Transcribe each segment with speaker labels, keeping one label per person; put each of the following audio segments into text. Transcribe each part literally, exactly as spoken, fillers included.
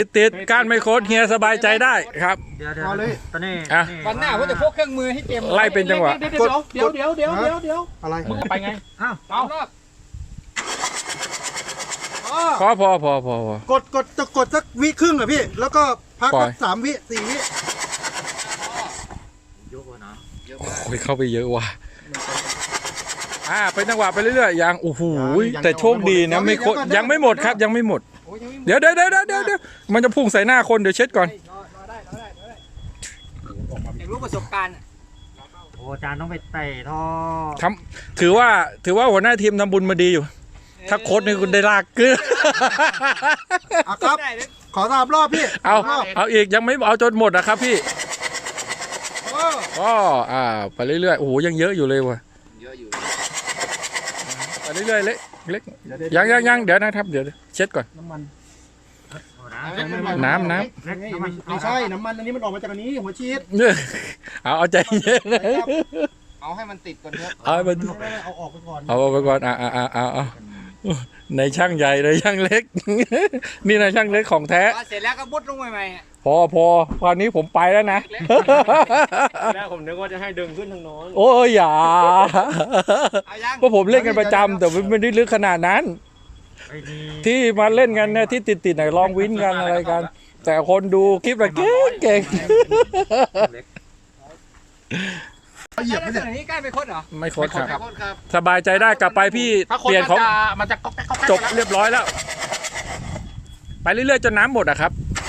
Speaker 1: ติดการไม่โค้ดเฮียสบายใจได้ครับ
Speaker 2: เดี๋ยวเดี๋ยวตอนนี้
Speaker 1: อ่ะ
Speaker 3: วันหน้าผมจะพกเครื่องมือให้เตรียม
Speaker 1: ไล่เป็นจังหวะ
Speaker 3: เดี๋ยวเดี๋ยวเดี๋ยวเดี๋ยวเดี๋ยวเดี๋ยว
Speaker 4: อะไร
Speaker 3: มึงไปไง
Speaker 2: อ้าว
Speaker 3: เอา
Speaker 1: พอพอพอพอพอก
Speaker 4: ดกดจะกดสักวิครึ่งเหรอพี่ แล้วก็พัก
Speaker 1: ปล่
Speaker 4: สั
Speaker 1: อย
Speaker 4: กสามวิสี่วิ
Speaker 2: ยกนะ
Speaker 1: โอ้ยเข้าไปเยอะว่ะอ่าเป็นจังหวะไปเรื่อยๆยังโอ้โหแต่โชคดีนะไม่โค้ดยังไม่หมดครับยังไม่หมด เดี๋ยวเดี๋ยวเดี๋ยวเดี๋ยวเดี๋ยวมันจะพุ่งใส่หน้าคนเดี๋ยวเช็ดก่อน
Speaker 3: อยากรู้ประสบการณ์
Speaker 2: โอ้อาจารย์ต้องไปเตะท่อ
Speaker 1: ทำถือว่าถือว่าหัวหน้าทีมทำบุญมาดีอยู่ ถ้าโค้ดนี่คุณได้ลากกึ๊
Speaker 4: อ่ะครับ ขอสามรอบพี่
Speaker 1: เอา
Speaker 4: สมรบ
Speaker 1: เอาอีกยังไม่เอาจนหมดนะครับพี่
Speaker 4: เออ
Speaker 1: ก็อ่าไปเรื่อยๆโอ้โหยังเยอะอยู่เลยว่ะ
Speaker 3: เยอะอยู่
Speaker 1: ไปเรื่อยๆเล็กเล็กยังยังยังเดี๋ยวนะครับเดี๋ยวเช็ดก่อน
Speaker 4: น้ำมัน
Speaker 1: น้ำน้
Speaker 2: เล็ก
Speaker 4: ไม่
Speaker 2: น้ำมัน
Speaker 4: ไม่ใช่น้ำมันอันนี้มันออกมาจากอันนี้หัวชีส
Speaker 1: ำเนี่ยเอาเอาใจเย็นนะ
Speaker 3: เอาให้มันติดก่อนเถอะ
Speaker 1: เอาไป
Speaker 4: ไม่ไม่ไม่เอาออกไปก่อน
Speaker 1: เอาไปก่อนอ่าอ่าอ่าอ่าเอาในช่างใหญ่ในช่างเล็ก นี่ในช่างเล็กของแท้
Speaker 3: เสร็จแล้วก็บุดลงใหม่
Speaker 1: พอพอคราวนี้ผมไปแล้วนะ
Speaker 5: แล้วผมนึกว่าจะให้ดึงขึ้นทางโน้น
Speaker 1: โอ้ยอย่า
Speaker 3: เอายัง
Speaker 1: เพราะผมเล่นกันประจำแต่ไม่ได้ลึกขนาดนั้น
Speaker 2: ไอ้นี่
Speaker 1: ที่มาเล่นกันเนี่ยที่ติดติดๆหน่อยลองวินกันอะไรกัน แต่คนดูคลิปอะเก่งเก่ง
Speaker 4: เหยียบไม่
Speaker 3: ไม่
Speaker 4: ได้
Speaker 3: ใช่นี้ใกล้ไปคดเหรอ
Speaker 1: ไม่โค้ดครับ
Speaker 3: คดครับ
Speaker 1: สบายใจได้กลับไปพี่
Speaker 5: ถ้าคน
Speaker 1: เปลี่ยน
Speaker 5: มัน
Speaker 1: ของ
Speaker 5: จะมันจะก๊อกแก๊กก๊อกแก๊ก
Speaker 1: จบเรียบร้อยแล้ว ไปเรื่อยๆจนน้ำหมดอะครับ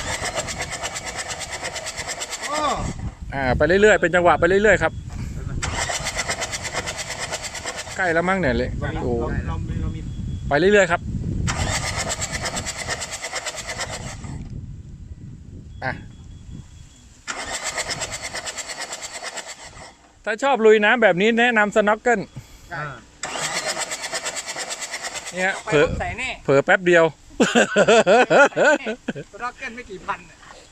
Speaker 4: เออ
Speaker 1: อ่าไปเรื่อยๆเป็นจังหวะไปเรื่อยๆครับใกล้แล้วมั้งเนี่ยเลย
Speaker 4: เรา
Speaker 1: โอ้
Speaker 4: เรามีเรามี
Speaker 1: ไปเรื่อยๆครับอ่ะถ้าชอบลุยน้ำแบบนี้แนะนำสน็อกเกิล
Speaker 2: อ่า
Speaker 1: เนี่ย
Speaker 3: ไป
Speaker 1: เผลอ
Speaker 3: ใส่แน่
Speaker 1: เผลอแป๊บเดียว
Speaker 3: ร็อกเก็ตไม่กี่พัน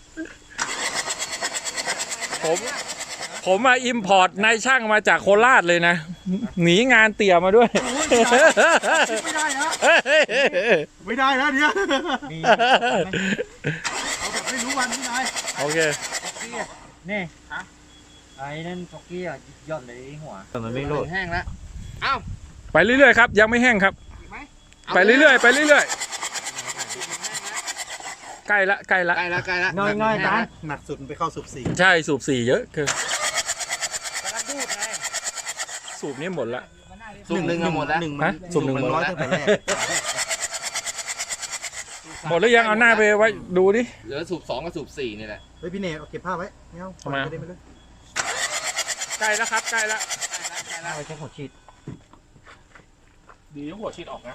Speaker 1: ผมผมมาอิมพอร์ตนายช่างมาจากโคราชเลยนะ หนีงานเตี่ยมาด้วย
Speaker 4: ไม่ได้นะไม่ได้นะเนี่ย
Speaker 2: มี
Speaker 4: เอาแบบไม่รู้วันพี่นาย
Speaker 1: โอเค
Speaker 2: นี่ไอ้นั่นท็อกกี้อ่ะยอดเลยหัว
Speaker 5: มันไม่โหลด
Speaker 3: แห้งแล้วเอ้า
Speaker 1: ไปเรื่อยๆครับยังไม่แห้งครับ
Speaker 3: อีกไหม
Speaker 1: ไปเรื่อยๆไปเรื่อยๆใกล้ละใกล้ละ
Speaker 3: ใกล้แล้วใกล้แล้ว
Speaker 2: น้อยน้อยอาจารย์
Speaker 4: หนักสุดไปเข้าสูบสี่
Speaker 1: ใช่สูบสี่เยอะคือ
Speaker 3: กำลังดูดไง
Speaker 1: สูบนี้หมดละ
Speaker 3: สูบหนึ่งอะหมดแล้ว
Speaker 4: หนึ่ง
Speaker 1: ฮะสูบหนึ่งหมด
Speaker 4: ร้อย
Speaker 1: แล้ว
Speaker 4: ตั้งแต่แรก
Speaker 1: หมดแล้วยังเอาหน้าไปไว้ดูดิ
Speaker 3: เหลือสูบสองกับสูบสี่นี่แหละ
Speaker 4: เฮ้ยพี่เนยเอาเก็บผ้าไว้ไม่เอา
Speaker 1: ทำไม
Speaker 4: ปล่อยปเลย
Speaker 1: ใกล้แล้วครับใกล้แล้ว
Speaker 2: เอาไปใช้หัวฉีด
Speaker 5: ดีหัวฉีดออกนะ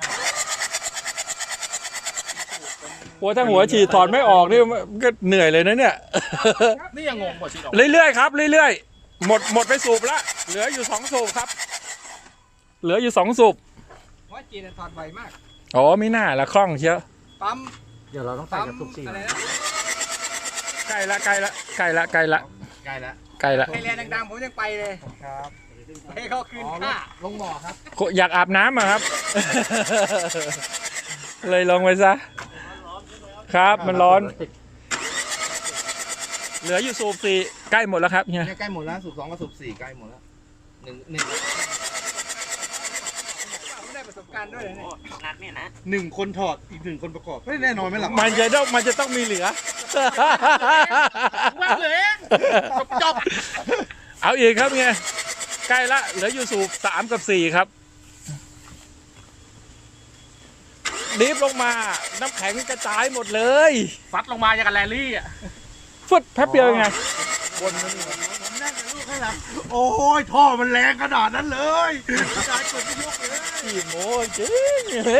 Speaker 1: หัวถ้าหัวฉีดถอดไม่ออกนี่ก็เหนื่อยเลยนะเนี่ย
Speaker 5: นี่ยังงงหัวฉีดออก
Speaker 1: เรื่อยๆครับเรื่อยๆหมดหมดไปสูบละเหลืออยู่สองสูบครับ เหลืออยู่สองสูบ
Speaker 3: ว่าจีนถอดไวมาก
Speaker 1: อ๋อไม่น่าละคล่องเชียว
Speaker 3: ปั๊ม
Speaker 2: เดี๋ยวเราต้องใส่
Speaker 3: ปั๊ม
Speaker 2: กับสุกสี่
Speaker 3: อะไรนะ
Speaker 1: ใกล้ละใกล้ละใกล้ละใกล้ละ
Speaker 3: ใกล้แล้ว
Speaker 1: ใกล้ละ
Speaker 3: ไทยแลนด์ดังๆผมยังไปเลย
Speaker 4: ครับ
Speaker 3: ให้เขาคืนค่า
Speaker 4: ลงบ่อครับ
Speaker 1: อยากอาบน้ำอะครับ เลยลงไปซะครับมันร้อน เหลืออยู่สูบสี่ใกล้หมดแล้วครับเนี่ย
Speaker 3: ใกล้หมดแล้วสูบสองกับสูบสี่ใกล้หมดแล้วหนึ่งหนึ่งไม่ได้ประสบการณ์ด้วยเนี่ย
Speaker 4: หนึ่งคนถอดอีกหนึ่งคนประกอบไม่แน่นอนไหมล่ะ
Speaker 1: มันจะต้องมันจะต้องมีเหลือ
Speaker 3: ว่าเลยจบ
Speaker 1: เอาอีกครับเนี่ยใกล้ละเหลืออยู่สูบสามกับสี่ครับดิฟลงมาน้ำแข็งกระจายหมดเลย
Speaker 5: ซัดลงมาอย่างกับแรลลี่อ่ะ
Speaker 1: ฟึดแป๊บเดียวยังไง
Speaker 4: ผมนั่งกับลูกข้างหลังโอ้ยท่อมันแรงขนาดนั้นเลยกระจายกดไม่ยกเลย
Speaker 1: ขี้โม้จริง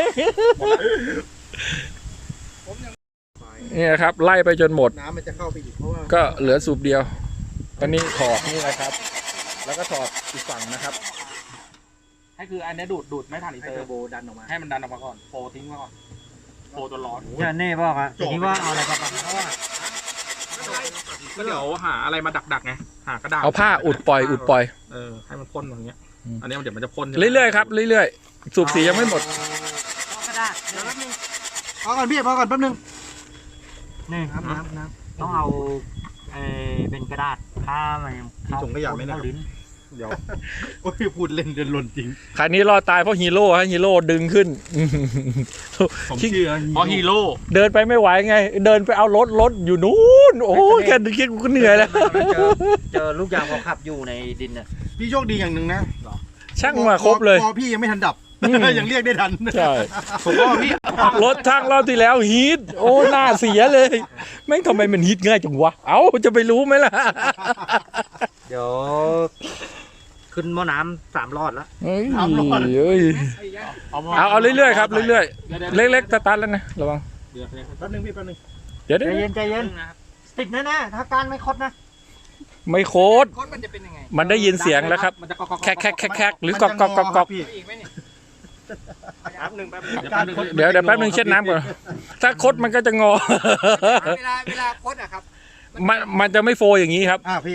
Speaker 1: นี่นะครับไล่ไปจนหมด
Speaker 4: น้ำมันจะเข้าไปอีกเพราะว่า
Speaker 1: ก็เหลือสูบเดียวตอนนี้ถอดนี่นะครับ แล้วก็ถอดอีกฝั่งนะครับ
Speaker 5: ให้คืออันนี้ดูดดูดไม่ทันอี
Speaker 4: ให้
Speaker 5: เตอ
Speaker 4: เทอ
Speaker 5: ร์
Speaker 4: ร์โบดันออกมา
Speaker 5: ให้มันดันออกมาก่อนโฟทิ้งมาก่อนโฟตัวร้อน
Speaker 2: จะเน่บอกอ่ะทีนี้ว่าเอาอะไรมาปักเพราะว่า
Speaker 5: ก็เดี๋ยวหาอะไรมาดักๆไงหากระดาษ
Speaker 1: เอาผ้าอุดปล่อยอุดปล่อย
Speaker 5: เออให้มันพ่นอย่างเงี้ย
Speaker 1: อืม
Speaker 5: อันนี้เดี๋ยวมันจะพ่น
Speaker 1: เรื่อยๆครับเรื่อยๆสูบสียังไม่หมด
Speaker 2: เอากระดาษเดี๋ยวแป๊บนึง
Speaker 4: พอก่อนพี่พอก่อนแป๊บนึง
Speaker 2: นี่
Speaker 4: น้ำน้ำน้
Speaker 2: ต้องเอาเออเป็นกระดาษผ้ามัน
Speaker 4: มีถุงขยะไหมเนี่ย
Speaker 2: เข้าลิ้น
Speaker 4: ำเดี๋ยวโอ้ยพูดเล่นเดินหล่นจริง
Speaker 1: คันนี้รอดตายเพราะฮีโร่ฮะฮีโร่ดึงขึ้น
Speaker 4: ผมเชื่อ
Speaker 5: เพราะฮีโร่
Speaker 1: เดินไปไม่ไหวไง เดินไปเอารถรถอยู่นู้นโอ้ยแค่คิดกูก็เหนื่อยแล้ว
Speaker 2: เจอเจอลูกยางเขาขับอยู่ในดินน่ะ
Speaker 4: พี่โชคดีอย่างหนึ่งนะ
Speaker 1: ช่างมาครบเลย
Speaker 4: พอพี่ยังไม่ทันดับ
Speaker 1: อืม
Speaker 4: ยังเรียกได้ทัน
Speaker 1: ใช่
Speaker 5: ผมว่าพี่
Speaker 1: รถช่างรอบที่แล้วฮีทโอ้หน้าเสียเลย แม่งทำไมมันฮีทง่ายจังวะ เอ้าจะไปรู้ไหมล่ะ
Speaker 2: เดี๋ยวขึ้นหม้อน้ำสามรอดแล้ว
Speaker 1: เฮ้ยเอ้ยเอาเอาเรื่อยๆครับเรื่อยๆเล็กๆสตาร์ทแล้วนะระวัง
Speaker 4: แป๊บนึงพี่แป๊บนึง
Speaker 1: เดี๋ยว
Speaker 2: ใจ
Speaker 1: เดี๋ยว
Speaker 2: เย็นใจเย็นติดแน่ๆถ้าการไม่คดนะ
Speaker 1: ไม่โคตร
Speaker 3: โค้ดมันจะเป็นยังไง
Speaker 1: มันได้ยินเสียงแล้วครับ
Speaker 5: มันจะก๊อกก๊อก
Speaker 1: แคกแคกแคกแคกหรือกอกกอกกอกกอก
Speaker 4: พี่
Speaker 3: อีกไหมเนี่ยแป๊บหนึ่งแป๊บหนึ่ง
Speaker 4: การคด
Speaker 1: เดี๋ยวเดี๋ยวแป๊บนึงเช็ดน้ำก่อนถ้าคดมันก็จะงอ
Speaker 3: เวลาเวลาโค้ดอะครับ
Speaker 1: มันมันจะไม่โฟอย่างนี้ครับ
Speaker 4: อ่าพี่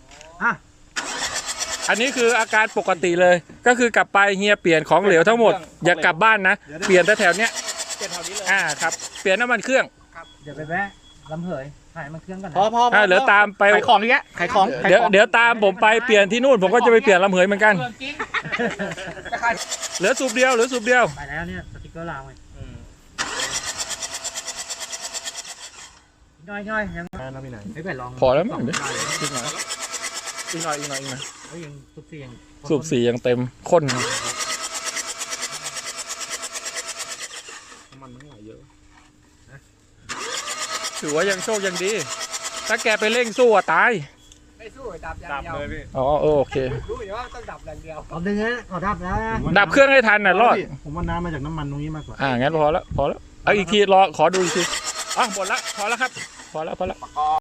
Speaker 1: อันนี้คืออาการปกติเลย ก็คือกลับไปเฮียเปลี่ยนของเหลวทั้งหมด อย่ากลับบ้านนะ เปลี่ยนแต่แถวเนี้ย
Speaker 3: เจ็ดแถวนี้เลย
Speaker 1: อ่าครับ เปลี่ยนน้ำมันเครื่อง
Speaker 2: เดี๋ยวไปแวะลำเหยถ่ายมันเครื่องกัน
Speaker 5: พอพอ
Speaker 1: อ่าเดี๋ยวตามไป
Speaker 5: ขายของอย่างเงี้ยขายของขาย
Speaker 1: เดี๋ยว
Speaker 5: ของ
Speaker 1: เดี๋ยวตามผมไปเปลี่ยนที่นู่น ผมก็จะไปเปลี่ยนลำเหยเหมือนกัน
Speaker 3: เรื่องจริงจะขาย
Speaker 1: เหลือสูบเดียวเหลือสูบเดียว
Speaker 2: ไปแล้วเนี่ยสติ๊กเกอร์ลาวไงน้อยน้อยๆยัง
Speaker 4: นะพี่ไหน
Speaker 2: ไม่ไปลอง
Speaker 1: พอแล้วมั้ง
Speaker 2: ส
Speaker 1: เดี๋ยว
Speaker 2: ได้เลย
Speaker 1: อีกหน่อยอีกหน่อยอีกหน่อยอีกหน่อย
Speaker 2: เฮ้ยยังสุบเสียง
Speaker 1: สูบสียังเต็มข้น
Speaker 5: มันไม่ไหวเยอะ
Speaker 1: ถือว่ายังโชคยังดี ถ้าแกไปเร่งสู้อะตาย
Speaker 3: ไม่สู้ดับอย่างเดียว
Speaker 1: อ๋อเออโอเค
Speaker 3: รู้อยู่ว่าต้องดับอย่างเดียว
Speaker 2: เอาดึงนะเอาดับแล้วนะ
Speaker 1: ดับเครื่องให้ทันน่ะรอด
Speaker 4: ผมว่าน้ำมาจากน้ำมันตรงนี้มากกว่า
Speaker 1: อ่างั้นพอแล้วพอแล้วเอาอีกทีรอขอดูอีกทีอ่ะหมดละพอแล้วครับ พอแล้วพอแล้ว